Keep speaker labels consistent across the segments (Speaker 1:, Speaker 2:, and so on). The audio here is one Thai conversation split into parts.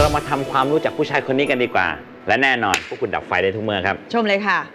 Speaker 1: เรามาทำความรู้จักผู้ชายคนนี้กันดีกว่าและแน่นอนพวกคุณดับไฟได้ทุกเมื่อครับ
Speaker 2: ชมเลยค่ะ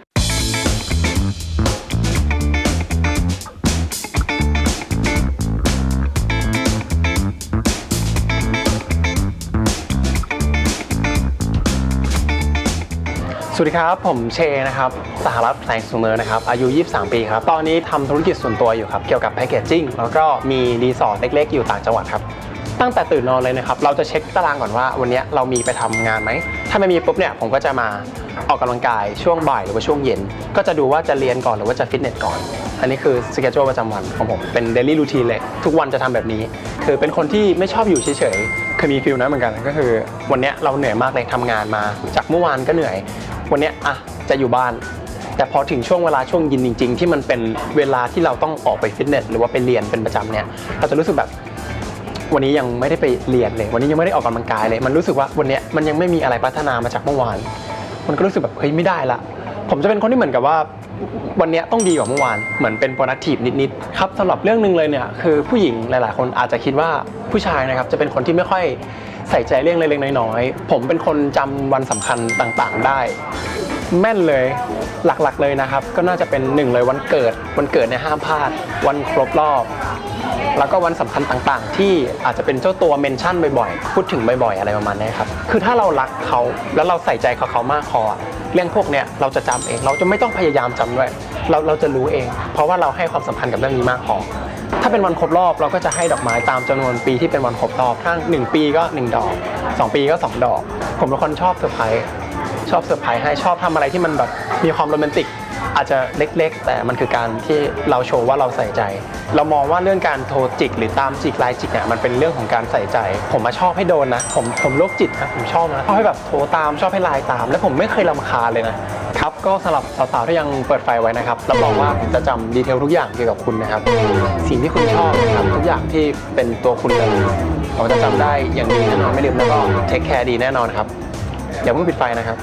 Speaker 3: สวัสดีครับผมเชนะครับสหรัฐแสงสุเนินนะครับอายุ23ปีครับตอนนี้ทำธุรกิจส่วนตัวอยู่ครับเกี่ยวกับแพคเกจจิ้งแล้วก็มีรีสอร์ทเล็กๆอยู่ต่างจังหวัดครับตั้งแต่ตื่นนอนเลยนะครับเราจะเช็คตารางก่อนว่าวันนี้เรามีไปทำงานไหมถ้าไม่มีปุ๊บเนี่ยผมก็จะมาออกกำลังกายช่วงบ่ายหรือว่าช่วงเย็นก็จะดูว่าจะเรียนก่อนหรือว่าจะฟิตเนสก่อนอันนี้คือสเกจ u ประจำวันของผมเป็นเดลี่รูทีนเลยทุกวันจะทำแบบนี้คือเป็นคนที่ไม่ชอบอยู่เฉยๆเคยมีฟิลนั้นเหมือนกันก็คือวันนี้เราเหนื่อยมากเลยทำงานมาจากเมื่อวานก็เหนื่อยวันนี้จะอยู่บ้านแต่พอถึงช่วงเวลาช่วงเย็นจริงๆที่มันเป็นเวลาที่เราต้องออกไปฟิตเนสหรือว่าไปเรียนเป็นประจำเนี่ยเราจะรู้สึกแบบวันนี้ยังไม่ได้ไปเรียนเลยวันนี้ยังไม่ได้ออกกำลังกายเลยมันรู้สึกว่าวันนี้มันยังไม่มีอะไรพัฒนามาจากเมื่อวานมันก็รู้สึกแบบเฮ้ยไม่ได้ละผมจะเป็นคนที่เหมือนกับว่าวันนี้ต้องดีกว่าเมื่อวานเหมือนเป็น productive นิดๆครับสำหรับเรื่องนึงเลยเนี่ยคือผู้หญิงหลายๆคนอาจจะคิดว่าผู้ชายนะครับจะเป็นคนที่ไม่ค่อยใส่ใจเรื่องเล็กๆน้อยๆผมเป็นคนจำวันสำคัญต่างๆได้แม่นเลยหลักๆเลยนะครับก็น่าจะเป็น1เลยวันเกิดเนี่ยห้ามพลาดวันครบรอบแล้วก็วันสำคัญต่างๆที่อาจจะเป็นเจ้าตัวเมนชั่นบ่อยๆพูดถึงบ่อยๆอะไรประมาณนี้ครับคือถ้าเรารักเขาแล้วเราใส่ใจเขามากพอเรื่องพวกเนี้ยเราจะจำเองเราจะไม่ต้องพยายามจำด้วยเราจะรู้เองเพราะว่าเราให้ความสำคัญกับเรื่องนี้มากพอถ้าเป็นวันครบรอบเราก็จะให้ดอกไม้ตามจำนวนปีที่เป็นวันครบรอบถ้า1 ปีก็1 ดอก2 ปีก็2 ดอกผมเป็นคนชอบเซอร์ไพรส์ให้ชอบทำอะไรที่มันแบบมีความโรแมนติกอาจจะเล็กๆแต่มันคือการที่เราโชว์ว่าเราใส่ใจเรามองว่าเรื่องการโทรจิกหรือตามจิกไลน์จิกเนี่ยมันเป็นเรื่องของการใส่ใจผมมาชอบให้โดนนะผมโรคจิตนะผมชอบนะชอบให้แบบโทรตามชอบให้ไลน์ตามและผมไม่เคยรำคาญเลยนะครับก็สำหรับสาวๆที่ยังเปิดไฟไว้นะครับรับรองว่าผมจะจำดีเทลทุกอย่างเกี่ยวกับคุณนะครับสิ่งที่คุณชอบนะครับทุกอย่างที่เป็นตัวคุณเลยผมจะจำได้อย่างดีแน่นอนไม่ลืมแล้วก็เทคแคร์ดีแน่นอนครับอย่าเพิ่งปิดไฟนะครับ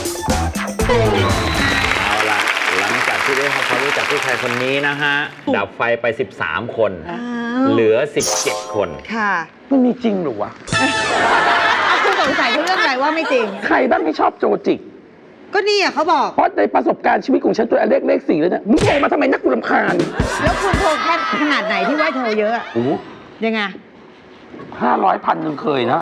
Speaker 1: เอาละหลังจากที่ได้ทำความรู้จักผู้ชายคนนี้นะฮะดับไฟไป13 คนเหลือ17 คน
Speaker 2: ค่ะ
Speaker 4: มันมีจริงหรือวะ
Speaker 2: คุณสงสัยเรื่องอะไรว่าไม่จริง
Speaker 4: ใครบ้างที่ชอบโจจิก
Speaker 2: ก็นี่เขาบอก
Speaker 4: เพราะในประสบการณ์ชีวิตของฉันตัวเลข4แล้วเนี่ยมึงโทรมาทำไมนักกูรำคาญ
Speaker 2: แล้วคุณโทรแค่ขนาดไหนที่ว่าโทรเยอะ
Speaker 4: โอ้
Speaker 2: ยังไง
Speaker 4: 500,000 เคยนะ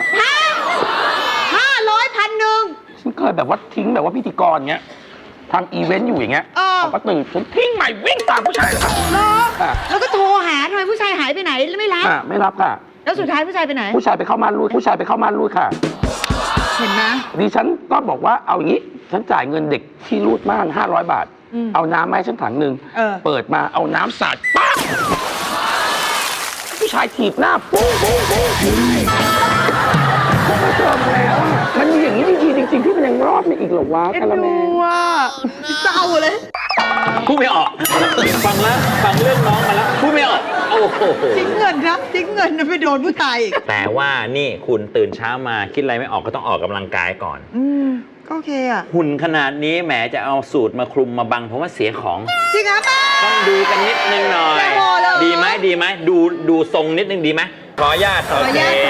Speaker 2: 500,000
Speaker 4: ฉันเคยแบบว่าทิ้งแบบว่าพิธีกรเงี้ยทำอีเวนต์อยู่อย่างเงี้ยเขาก็ตื่นฉันทิ้งใหม่วิ่งตามผู้ชายเลย
Speaker 2: แล้วก็โทรหาทำไมผู้ชายหายไปไหนไม่รับ
Speaker 4: ไม่รับค่ะ
Speaker 2: แล้วสุดท้ายผู้ชายไปไหน
Speaker 4: ผู้ชายไปเข้าม่านรูดค่ะ
Speaker 2: เห็นไหม
Speaker 4: ดิฉันก็บอกว่าเอาอย่างนี้ฉันจ่ายเงินเด็กที่รูดม่าน500 บาทเอาน้ำมาให้ฉันถังนึงเปิดมาเอาน้ำสาดปั๊บผู้ชายถีบหน้าปุ้งมาเจอมาแล้วมันมีอย่างนี้จริงที่มันยังรอดมาอีกหรอวะคาราเมล
Speaker 2: เศร้าเลย
Speaker 1: พูดไม่ออกฟังเรื่องน้องมาแล้วพูดไม่ออกโอ้โห
Speaker 2: ทิ้งเงินนะไปโดนผู้ชายอีก
Speaker 1: แต่ว่านี่คุณตื่นเช้ามาคิดอะไรไม่ออกก็ต้องออกกำลังกายก่อน
Speaker 2: ก็โอเคอ่ะ
Speaker 1: หุ่นขนาดนี้แหมจะเอาสูตรมาคลุมมาบังเพราะว่าเสียของ
Speaker 2: จริงครับ
Speaker 1: ต้องดูกันนิดนึงหน่อยดีไหมดูทรงนิดนึงดีไหมขออนุญาตแล้ว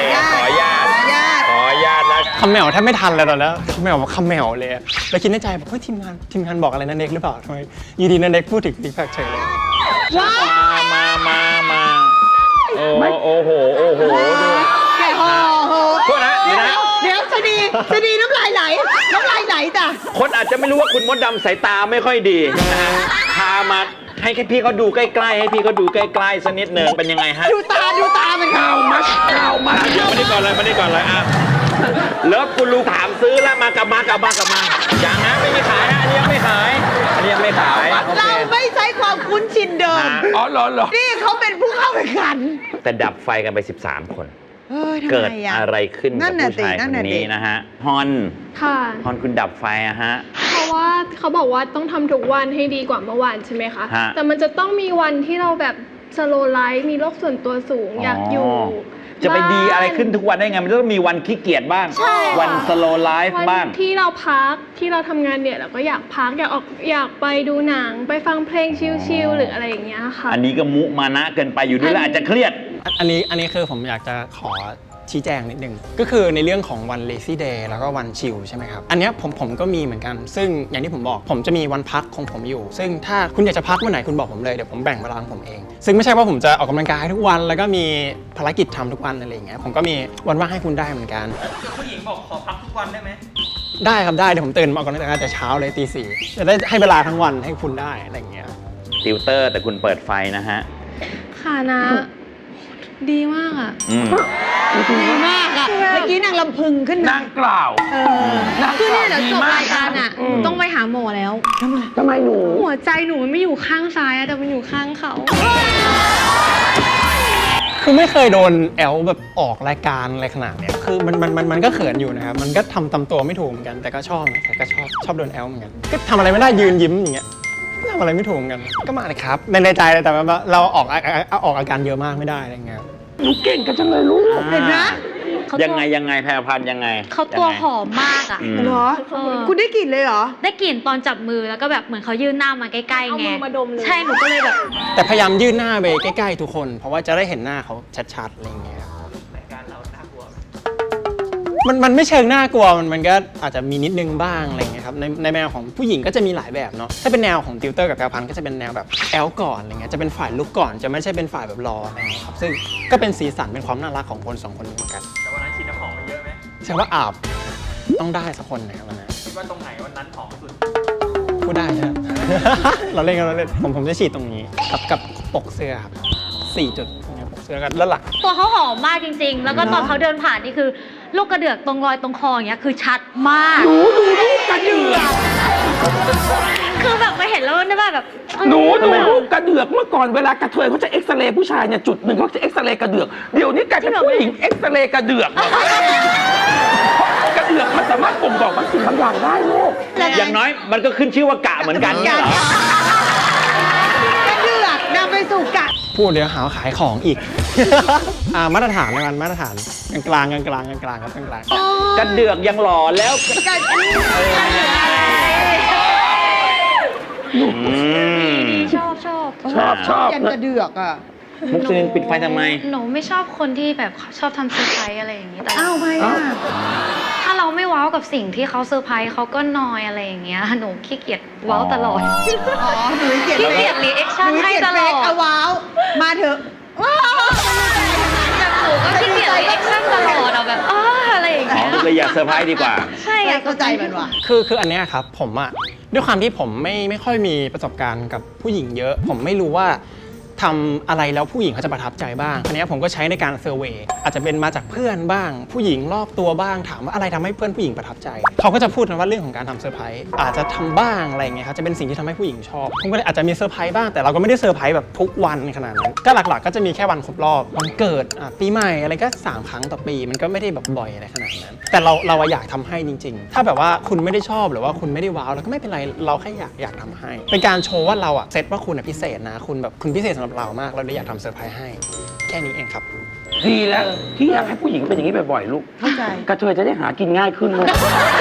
Speaker 3: คำแมวแทบไม่ทันเลยตอนนั้นคำแมวบอกคำแมวเลยแล้วคิดในใจบอกเฮ้ยทีมงานบอกอะไรนั่นเด็กหรือเปล่าทำไมยีดีนั่นเด็กพูดถึงติ๊กแพคเฉยเลย
Speaker 1: มาโอ้โหดู
Speaker 2: แกโอ้โห
Speaker 1: โทษนะ
Speaker 2: เดี๋ยวจะดีน้ำลายไหลจ้ะ
Speaker 1: คนอาจจะไม่รู้ว่าคุณมดดำสายตาไม่ค่อยดีนะฮะพามาให้พี่เขาดูใกล้ๆให้พี่เขาดูใกล้ๆสักนิดนึงเป็นยังไงฮะ
Speaker 2: ดูตามัน
Speaker 4: ข่าวมา
Speaker 1: มานี่ก่อนเลยอ่ะแล้วคุณลุงถามซื้อแล้วมากลับมาอย่างนั้นไม่มีขายฮะอันนี้ยังไม่ขาย
Speaker 2: เราไม่ใช้ความคุ้นชินเดิม
Speaker 4: เหรอ
Speaker 2: นี่เขาเป็นผู้เข้าแข่งขัน
Speaker 1: แต่ดับไฟกันไป13 คนเกิดอะไรขึ้นกับผู้ชายคนนี้นะฮะฮอนคุณดับไฟอะฮะ
Speaker 5: เพราะว่าเขาบอกว่าต้องทำทุกวันให้ดีกว่าเมื่อวานใช่ไหมคะแต่มันจะต้องมีวันที่เราแบบสโลว์ไลฟ์มีโลกส่วนตัวสูงอยากอยู่
Speaker 1: จะไปดีอะไรขึ้นทุกวันได้ไงมันต้องมีวันขี้เกียจบ้างวันสโลว์ไลฟ์บ้าง
Speaker 5: ที่เราพักที่เราทำงานเนี่ยเราก็อยากพักอยากไปดูหนังไปฟังเพลงชิลๆหรืออะไรอย่างเงี้ยค่ะ
Speaker 1: อันนี้ก็มุมานะเกินไปอยู่ด้วยแล้วอาจจะเครียด
Speaker 3: อันนี้คือผมอยากจะขอชี้แจงนิดนึงก็คือในเรื่องของวัน lazy day แล้วก็วันชิลใช่ไหมครับอันเนี้ยผมก็มีเหมือนกันซึ่งอย่างที่ผมบอกผมจะมีวันพักของผมอยู่ซึ่งถ้าคุณอยากจะพักเมื่อไหร่คุณบอกผมเลยเดี๋ยวผมแบ่งเวลาของผมเองซึ่งไม่ใช่ว่าผมจะออกกำลังกายทุกวันแล้วก็มีภารกิจทำทุกวันอะไรอย่างเงี้ยผมก็มีวันว่างให้คุณได้เหมือนกันผู้หญิงบอกขอพักทุกวันได้ไหมได้ครับได้เดี๋ยวผมตื่นมาออกกำลังกายแต่เช้าเลยตี 4จะได้ให้เวลาทั้งวันให้คุณได้อะไรอย่างเงี้ย
Speaker 1: ติวเตอร์แต่คุณเปิดไฟนะฮะ
Speaker 5: ค่ะนะดีมากอ่ะ
Speaker 2: ดีมากอ่ะเมื่อกี้นางลำพึงขึ้น
Speaker 4: นางกล่าว นาง
Speaker 5: คือก
Speaker 4: ล่า
Speaker 5: เนี่
Speaker 4: วย
Speaker 5: เดี๋ยว
Speaker 4: ดี
Speaker 5: จบ
Speaker 4: มาก
Speaker 5: รายการอ่ะต้องไปหาหมอแล้ว
Speaker 4: ทำไมหนู
Speaker 5: หัวใจหนูมันไม่อยู่ข้างซ้ายอะแต่มันอยู่ข้างเขา
Speaker 3: คือไม่เคยโดนแอลแบบออกรายการอะไรขนาดเนี้ยคือมันก็เขินอยู่นะครับมันก็ทำตัวไม่ถูกเหมือนกันแต่ก็ชอบนะแต่ก็ชอบโดนแอลเหมือนกันก็ทำอะไรไม่ได้ยืนยิ้มอย่างเงี้ยทำอะไรไม่ถูกเหมือนกันก็มาเลยครับในใจเลยแต่ว่าเราออกอาการเยอะมากไม่ได้อะไรเงี้ย
Speaker 4: หนูเก่งกันจังเลยลูก
Speaker 2: เห็นไหม
Speaker 1: ยังไงแพรพันธุ์ยังไง
Speaker 6: เขาตัวหอมมากอ่ะ
Speaker 2: เหรอคุณได้กลิ่นเลยเหรอ
Speaker 6: ได้กลิ่นตอนจับมือแล้วก็แบบเหมือนเขายื่นหน้ามาใกล้ๆไง
Speaker 5: เอามือมาดมเลย
Speaker 6: ใช่ หนูก็เลยแบบ
Speaker 3: แต่พยายามยื่นหน้าไปใกล้ๆทุกคน เพราะว่าจะได้เห็นหน้าเขาชัดๆอะไรเงี้ยมันไม่เชิงน่ากลัวมันก็อาจจะมีนิดนึงบ้างอะไรเงี้ยครับในแนวของผู้หญิงก็จะมีหลายแบบเนาะถ้าเป็นแนวของติวเตอร์กับแพรพันธุ์ก็จะเป็นแนวแบบแอลก่อนอะไรเงี้ยจะเป็นฝ่ายลุกก่อนจะไม่ใช่เป็นฝ่ายแบบรออะไรเงี้ยครับซึ่งก็เป็นสีสันเป็นความน่ารักของคนสองคนนี้เหมือนกันแต่วันนั้นฉีดน้ำหอมมาเยอะไหมใช่ว่าอาบต้องได้สักคนนะครับวันนั้นคิดว่าตรงไหนวันนั้นหอมสุดพูดได้ครับ เราเล่นผมจะฉีดตรงนี้กับปกเสื้อครับ4 จุดปกเสื้อกันแล้วหลัง
Speaker 6: ตัวเขาหอมมากจริงๆ แล้วก็ตอนเขาเดินผ่านนี่คือ ลูกกระเดือกตรงรอยตรงคออย่างเงี้ยคือชัดมาก
Speaker 4: ดูลูกกระเดือก
Speaker 6: คือแบบมาเห็นแล้วได้แบบ
Speaker 4: หนูดูลูกกระเดือกเมื่อก่อนเวลากระเทยเขาจะเอ็กซเรย์ผู้ชายเนี่ยจุดหนึ่งเขาจะเอ็กซเรย์กระเดือกเดี๋ยวนี้กลายเป็นผู้หญิงเอ็กซเรย์กระเดือกกระเดือกมันสามารถบ่งบอกบางสิ่งบางอย่างได้ลูก
Speaker 1: อย่างน้อยมันก็ขึ้นชื่อว่ากะเหมือนกันเนี่ยเหรอ
Speaker 2: กระเดือกนำไปสู่กะ
Speaker 3: พูดเดี๋ยวหาว่าขายของอีก มาตรฐานแล้วกันมาตรฐานกลางครับกลาง
Speaker 1: กระเดือกยังหล่อแล้ว
Speaker 6: ชอบ
Speaker 2: ยันกระเดือกอ่ะ
Speaker 1: มุกซิลินปิดไฟทำไม
Speaker 6: หนูไม่ชอบคนที่แบบชอบทำเซอร์ไพรส์อะไรอย่างงี้แต่
Speaker 2: อ้าวไม่อ่ะ
Speaker 6: ถ้าเราไม่ว้าวกับสิ่งที่เขาเซอร์ไพรส์เขาก็นอยอะไรอย่างเงี้ยหนูขี้เกียจว้าวตลอด
Speaker 2: อ๋อหนูเกลียด
Speaker 6: ขี้เกียจรีแอคชั่นให้ตลอด
Speaker 2: เอาว้าว มาเถอะว้าว
Speaker 6: แบบหนูก็ขี้เกียจรีแอคชั่นตลอดอะแบบอะไรอย่าง
Speaker 1: อ๋อ
Speaker 6: เงี้ย
Speaker 1: เลยอยากเซอร์ไพรส์ดีกว่า
Speaker 6: ใช่อยาก
Speaker 2: เข้าใจมันว่ะ
Speaker 3: คืออันเนี้ยครับผมอะด้วยความที่ผมไม่ค่อยมีประสบการณ์กับผู้หญิงเยอะ ผมไม่รู้ว่าทำอะไรแล้วผู้หญิงเขาจะประทับใจบ้างอันเนี้ยผมก็ใช้ในการเซอร์เวย์อาจจะเป็นมาจากเพื่อนบ้าง ผู้หญิงรอบตัวบ้างถามว่าอะไรทำให้เพื่อนผู้หญิงประทับใจเขาก็จะพูดกันว่าเรื่องของการทำเซอร์ไพรส์อาจจะทำบ้างอะไรเงี้ยครับจะเป็นสิ่งที่ทำให้ผู้หญิงชอบผมก็เลยอาจจะมีเซอร์ไพรส์บ้างแต่เราก็ไม่ได้เซอร์ไพรส์แบบทุกวันขนาดนั้นก็หลักๆก็จะมีแค่วันครบรอบวันเกิดปีใหม่อะไรก็3 ครั้งต่อปีมันก็ไม่ได้แบบบ่อยอะไรขนาดนั้นแต่เราอยากทำให้จริงๆถ้าแบบว่าคุณไม่ได้ชอบหรือว่าคุณไม่ได้ว้าวแล้วก็ไม่เป็นไรเราแค่อยากทำให้เป็นการโชว์ว่าเราอะเซตว่าคุณพิเศษนะคุณพิเศษสำหรับเรามากเราเลยอยากทำเซอร์ไพรส์ให้แค่นี้เองครับ
Speaker 4: ดีแล้วพี่อยากให้ผู้หญิงเป็นอย่างนี้บ่อยๆลูก
Speaker 2: เข้าใจ
Speaker 4: กระเทยจะได้หากินง่ายขึ้นลูก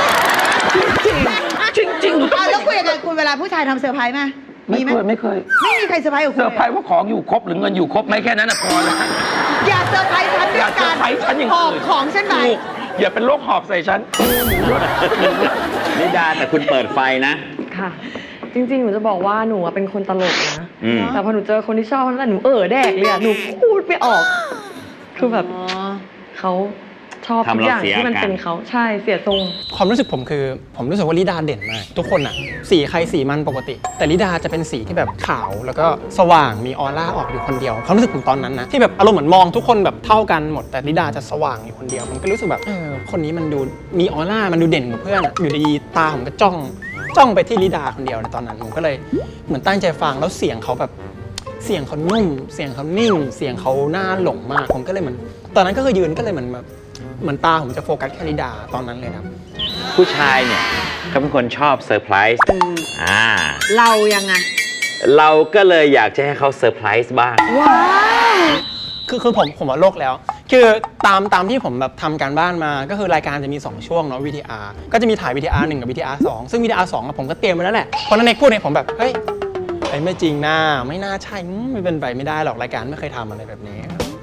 Speaker 4: จริงหนูต้อง
Speaker 2: แล้วคุยกันคุณเวลาผู้ชายทำเซอร์ไพรส์ไหม
Speaker 4: ไม่เคย
Speaker 2: ไม่มีใครเซอร์ไพรส์กับคุ
Speaker 4: เซ
Speaker 2: ณ
Speaker 4: อร์ไพรส์ว่าของอยู่ครบหรือเงินอยู่ครบไหมแค่นั้นน่ะพอแล้ว
Speaker 2: อย่าเซอร์ไพรส์ฉันด้
Speaker 4: อ
Speaker 2: วย
Speaker 4: ย่าเซอ
Speaker 2: การ
Speaker 4: ร์ไพรส์ฉันอย่าง
Speaker 2: หอบ
Speaker 4: อื่น
Speaker 2: ของฉันไป
Speaker 4: ถูกอย่าเป็นโรคหอบใส่ฉัน
Speaker 1: นิดาแต่คุณเปิดไฟนะ
Speaker 7: ค่ะ จริงๆ หนูจะบอกว่าหนูอะเป็นคนตลกนะ
Speaker 1: อืม
Speaker 7: แต่พอหนูเจอคนที่ชอบนั่นหนูแดกเลยอะหนูพูดไม่ออก คือแบบเขาชอบทุกอย่างที่มันเป็นเขาใช่เสียทรง
Speaker 3: ความรู้สึกผมคือผมรู้สึกว่าลิดาเด่นมากทุกคนอะสีใครสีมันปกติ แต่ลิดาจะเป็นสีที่แบบขาวแล้วก็สว่างมีออร่าออกอยู่คนเดียวความรู้สึกผมตอนนั้นนะที่แบบอารมณ์เหมือนมองทุกคนแบบเท่ากันหมดแต่ลิดาจะสว่างอยู่คนเดียวมันก็รู้สึกแบบคนนี้มันดูมีออร่ามันดูเด่นกว่าเพื่อนอะอยู่ดีๆตาผมก็จ้องไปที่ลิดาคนเดียวในตอนนั้นผมก็เลยเหมือนตั้งใจฟังแล้วเสียงเขาแบบเสียงเขานุ่มเสียงเขานิ่งเสียงเขาน่าหลงมากผมก็เลยเหมือนตอนนั้นก็คือยืนก็เลยเหมือนตาผมจะโฟกัสแค่ลิดาตอนนั้นเลยครับ
Speaker 1: ผู้ชายเนี่ยเขาเป็นคนชอบเซอร์ไพรส์
Speaker 2: เรายังไง
Speaker 1: เราก็เลยอยากจะให้เขาเซอร์ไพรส์บ้าง
Speaker 2: ว้าว
Speaker 3: คือผมว่าโลกแล้ว คือตามที่ผมแบบทำการบ้านมาก็คือรายการจะมี 2 ช่วงเนาะ VTR ก็จะมีถ่าย VTR 1 กับ VTR 2 ซึ่ง VTR 2อะผมก็เตรียมไว้แล้วแหละเพราะนั้นในพูดเนี่ยผมแบบเฮ้ยไม่จริงนะไม่น่าใช่ไม่เป็นไปไม่ได้หรอกรายการไม่เคยทำอะไรแบบนี้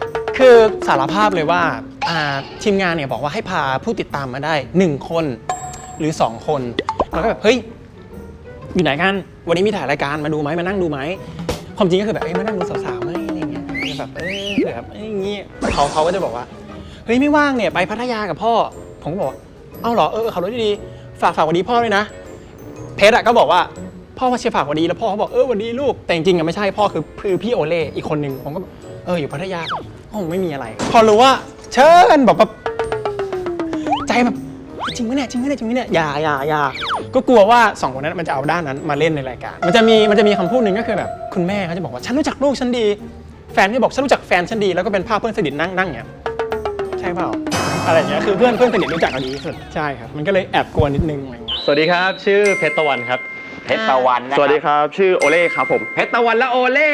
Speaker 3: คือสารภาพเลยว่าทีมงานเนี่ยบอกว่าให้พาผู้ติดตามมาได้1คนหรือ2คนแล้วก็แบบเฮ้ยอยู่ไหนกันวันนี้มีถ่ายรายการมาดูไหมมานั่งดูไหมความจริงก็คือแบบมานั่งดูสาวๆไหมอะไรเงี้ยแบบแบบอย่างงี้เขาก็จะบอกว่าเฮ้ยไม่ว่างเนี่ยไปพัทยากับพ่อผมก็บอกเอ้าเหรอขับรถดีๆฝากวันดีพ่อด้วยนะเพชรก็บอกว่าพ่อมาเชียร์ฝากวันดีแล้วพ่อเขาบอกวันดีลูกแต่จริงๆไม่ใช่พ่อคือพี่โอเล่อีกคนนึงผมก็อยู่พัทยาคงไม่มีอะไรพอรู้ว่าเชิญแบบใจแบบจริงไหมเนี่ยอย่าก็กลัวว่า2คนนั้นมันจะเอาด้านนั้นมาเล่นในรายการมันจะมีคำพูดหนึ่งก็คือแบบคุณแม่เขาจะบอกว่าฉันรู้จักลูกฉันดีแฟนที่บอกฉันรู้จักแฟนฉันดีแล้วก็เป็นภาพเพื่อนสนิทนั่งเนี่ยใช่เปล่าอะไรอย่างเงี้ยคือเพื่อนสนิทรู้จักกันดีที่สุดใช่ครับมันก็เลยแอบกลัวนิดนึงอะไรอย่างเงี้ย
Speaker 8: สวัสดีครับชื่อเพชรตะวันครับ
Speaker 1: เพชรตะวันนะ
Speaker 8: สวัสดีครับชื่อโอเล่ครับผม
Speaker 1: เพชรตะวันและโอเล่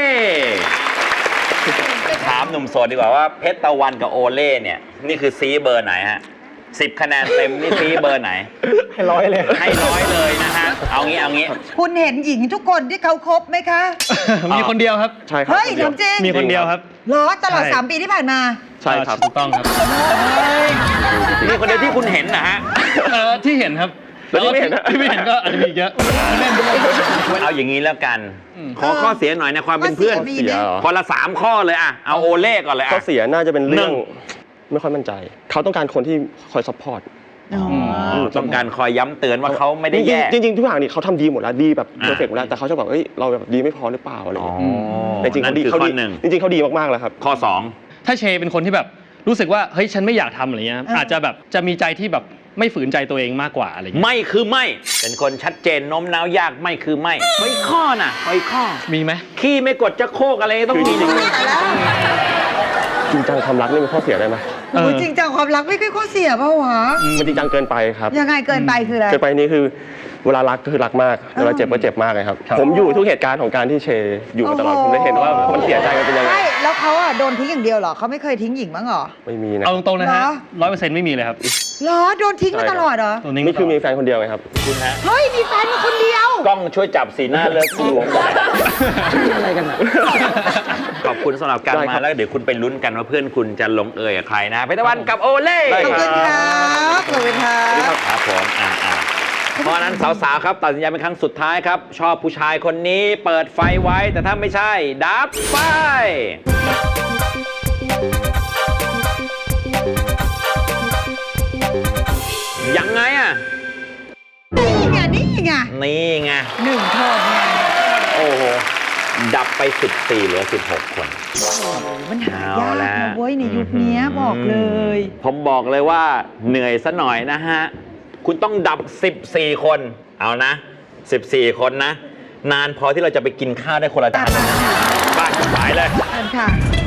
Speaker 1: ถามหนุ่มโสดดีกว่าว่าเพชรตะวันกับโอเล่เนี่ยนี่คือซีเบอร์ไหนฮะ10 คะแนนเต็มนี่ซีเบอร์ไหน
Speaker 3: ให้100เลย
Speaker 1: ให้100เลยนะฮะเอางี้
Speaker 2: คุณเห็นหญิงทุกคนที่เขาคบไหมคะ
Speaker 8: มีคนเดียวครับใช่ครับ
Speaker 2: เฮ้ยทำจริง
Speaker 8: มีคนเดียวครับ
Speaker 2: เหรอตลอด3 ปีที่ผ่านมา
Speaker 8: ใช่ครับถูกต้องครับ
Speaker 1: นี่คนเดียวที่คุณเห็นนะฮะ
Speaker 8: ที่เห็นครับแล้วที่ไม่เห็นที่ไม่เห็นก็อาจจะมีเยอะ
Speaker 1: เอาอย่างนี้แล้วกันขอข้อเสียหน่อยในความเป็นเพื่อน
Speaker 2: เสีย
Speaker 1: คนละ3 ข้อเลยอะเอาโอเล่ก่อนเลย
Speaker 8: ข้อเสียน่าจะเป็นเรื่องไม่ค่อยมั่นใจเขาต้องการคนที่คอยซัพพอร์ต
Speaker 1: ต้องการคอยย้ำเตือนว่าเขาไม่ได้แย่
Speaker 8: จริงทุกอย่างนี่เขาทำดีหมดแล้วดีแบบเพอร์เฟกต์หมดแล้วแต่เขาจะบอกเราแบบดีไม่พอหรือเปล่าอะไรอย่างเงี้ยแต่จริงเขาดีจริงเขาดีมากๆแล้วครับ
Speaker 1: ข้อ2
Speaker 8: ถ้าเชเป็นคนที่แบบรู้สึกว่าเฮ้ยฉันไม่อยากทำอะไรเงี้ยอาจจะแบบจะมีใจที่แบบไม่ฝืนใจตัวเองมากกว่าอะไรเงี้ย
Speaker 1: ไม่คือไม่เป็นคนชัดเจนโน้มน้าวยากไม่คือไม่ข้อน่ะข้อ
Speaker 8: มีไหม
Speaker 1: ขี้ไม่กดจะโคกอะไรต้องมีหนึ่ง
Speaker 8: จริงจังความรักนี่เป็นข้อเสียได้ไหม
Speaker 2: จริงจังความรักไม่ใช่ข้อเสียเปล่าวะ
Speaker 8: มันจริงจังเกินไปครับ
Speaker 2: ยังไงเกินไปคืออะไร
Speaker 8: เกินไปนี่คือเวลารักก็คือรักมากเวลาเจ็บก็เจ็บมากเลยครับผมอยู่ทุกเหตุการณ์ของการที่เชอยู่มาตลอดผมได้เห็นว่ามันเสียใจกันเป็นยังไง
Speaker 2: ใช่แล้วเขาโดนทิ้งอย่างเดียวเหรอเขาไม่เคยทิ้งหญิงบ้างเหรอ
Speaker 8: ไม่มีนะเอาตรงๆนะฮะ100%ไม่มีเลยครับ
Speaker 2: เหรอโดนทิ้งมาตลอดเหรอ
Speaker 8: นี่คือมีแฟนคนเดียวไงครับ
Speaker 1: คุณฮะ
Speaker 2: เฮ้ยมีแฟนมาคนเดียว
Speaker 1: กล้องช่วยจับสีหน้าเลิกคุณหลวงอะไรกันอ่ะขอบคุณสำหรับการมาแล้วเดี๋ยวคุณไปลุ้นกันว่าเพื่อนคุณจะลงเอยกับใครนะเพชรตะวันกับโอเล่
Speaker 2: ขอบคุณครับขอบคุณครับ
Speaker 1: ครับผมเพราะนั้นสาวๆครับตัดสินใจเป็นครั้งสุดท้ายครับชอบผู้ชายคนนี้เปิดไฟไว้แต่ถ้าไม่ใช่ดับไฟยังไง
Speaker 2: นี่ไง
Speaker 1: 1โทษไงโอ้โหดับไป14เหลือ16 คน
Speaker 2: มันหายากนะเว้ยในยุคนี้บอกเลย
Speaker 1: ผมบอกเลยว่าเหนื่อยซะหน่อยนะฮะคุณต้องดับ14 คนเอานะ14 คนนะนานพอที่เราจะไปกินข้าวได้คนละจานบ้านสายเลย
Speaker 2: ค่ะ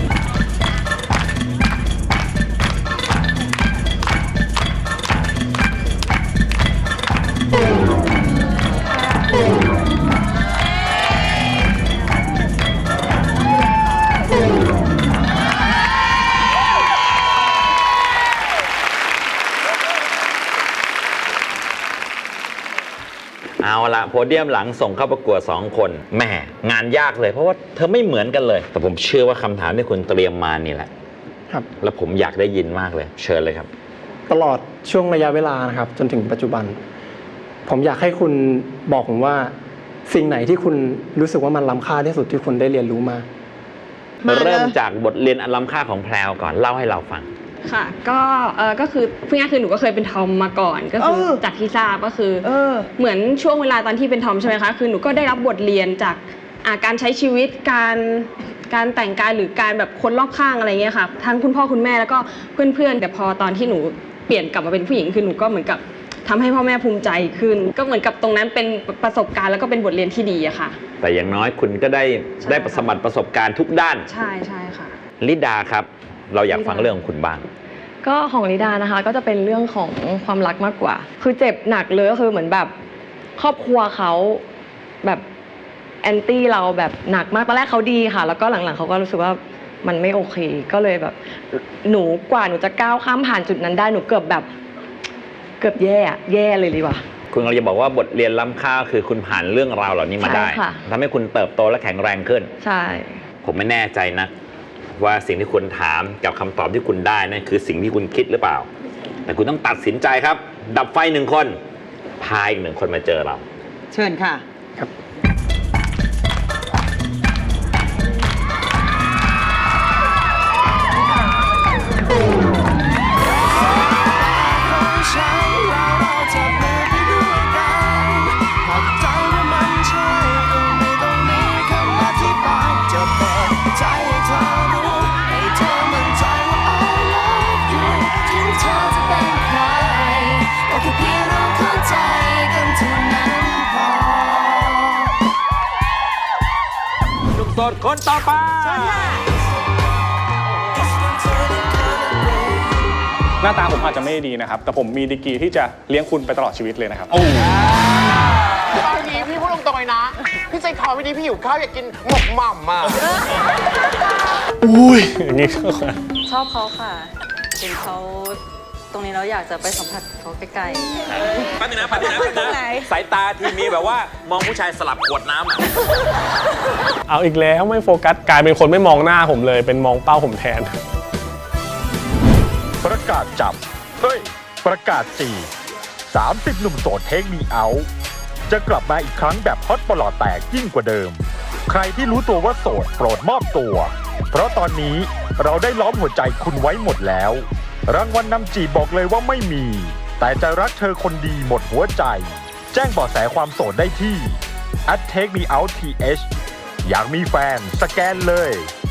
Speaker 1: เอาละโพเดียมหลังส่งเข้าประกวด2 คนแหมงานยากเลยเพราะว่าเธอไม่เหมือนกันเลยแต่ผมเชื่อว่าคำถามที่คุณเตรียมมานี่แหละ
Speaker 3: ครับ
Speaker 1: แล้วผมอยากได้ยินมากเลยเชิญเลยครับ
Speaker 3: ตลอดช่วงระยะเวลานะครับจนถึงปัจจุบันผมอยากให้คุณบอกผมว่าสิ่งไหนที่คุณรู้สึกว่ามันล้ำค่าที่สุดที่คุณได้เรียนรู้มา
Speaker 1: เริ่มจากบทเรียนอันล้ำค่าของแพรวก่อนเล่าให้เราฟัง
Speaker 7: ค่ะก็คือพูดง่ายคือหนูก็เคยเป็นทอมมาก่อนก็คือจากที่ทราบก็คือเหมือนช่วงเวลาตอนที่เป็นทอมใช่ไหมคะคือหนูก็ได้รับบทเรียนจากการใช้ชีวิตการแต่งกายหรือการแบบคนรอบข้างอะไรเงี้ยค่ะทั้งคุณพ่อคุณแม่แล้วก็เพื่อนๆแต่พอตอนที่หนูเปลี่ยนกลับมาเป็นผู้หญิงคือหนูก็เหมือนกับทำให้พ่อแม่ภูมิใจขึ้นก็เหมือนกับตรงนั้นเป็นประสบการณ์แล้วก็เป็นบทเรียนที่ดีอะค่ะ
Speaker 1: แต่อย่างน้อยคุณก็ได้สมบัติประสบการณ์ทุกด้าน
Speaker 7: ใช่ค่ะ
Speaker 1: ลิดาครับเราอยากฟังเรื่องของคุณบ้าง
Speaker 7: ก็ของลิดานะคะก็จะเป็นเรื่องของความรักมากกว่าคือเจ็บหนักเลยก็คือเหมือนแบบครอบครัวเขาแบบแอนตี้เราแบบหนักมากตอนแรกเขาดีค่ะแล้วก็หลังๆเขาก็รู้สึกว่ามันไม่โอเคก็เลยแบบหนูจะก้าวข้ามผ่านจุดนั้นได้หนูเกือบแย่เลยดีกว่า
Speaker 1: คุณกำลังจะบอกว่าบทเรียนล้ำค่าคือคุณผ่านเรื่องราวเหล่านี้มาได้ทำให้คุณเติบโตและแข็งแรงขึ้น
Speaker 7: ใช่
Speaker 1: ผมไม่แน่ใจนะว่าสิ่งที่คุณถามกับคำตอบที่คุณได้นั่นคือสิ่งที่คุณคิดหรือเปล่า แต่คุณต้องตัดสินใจครับ ดับไฟ1 คนพาอีก1 คนมาเจอเรา
Speaker 2: เชิญค่ะ
Speaker 1: หนุ่มโสดคนต่อไป
Speaker 9: หน้าตาผมอาจจะไม่ดีนะครับ แต่ผมมีดีกรีที่จะเลี้ยงคุณไปตลอดชีวิตเลยนะครับ
Speaker 3: ตอนนี้พี่พูดตรงๆเลยนะ พี่ใจคอวันนี้พี่หิวข้าวอยากกินหมกหม่ำอ่ะ
Speaker 9: อุ้ยอย่างนี้
Speaker 10: ชอบเขาค่ะเห็นเขาตรงนี้เราอยากจะไปสัมผัสเขาใกล้ๆ
Speaker 1: แป๊บนึงนะสายตาทีมีแบบว่ามองผู้ชายสลับขวดน้ำอ่ะ
Speaker 9: เอาอีกแล้วไม่โฟกัสกลายเป็นคนไม่มองหน้าผมเลย เป็นมองเป้าผมแทน
Speaker 11: ประกาศจับประกาศ30 หนุ่มโสดเทคมีเอาท์จะกลับมาอีกครั้งแบบฮอตปลอดแตกยิ่งกว่าเดิม ใครที่รู้ตัวว่าโสดโปรดมอบตัว เพราะตอนนี้เราได้ล้อมหัวใจคุณไว้หมดแล้ว รางวัลนำจีบบอกเลยว่าไม่มี แต่จะรักเธอคนดีหมดหัวใจ แจ้งเบาะแสความโสดได้ที่ @takemeouth อยากมีแฟนสแกนเลย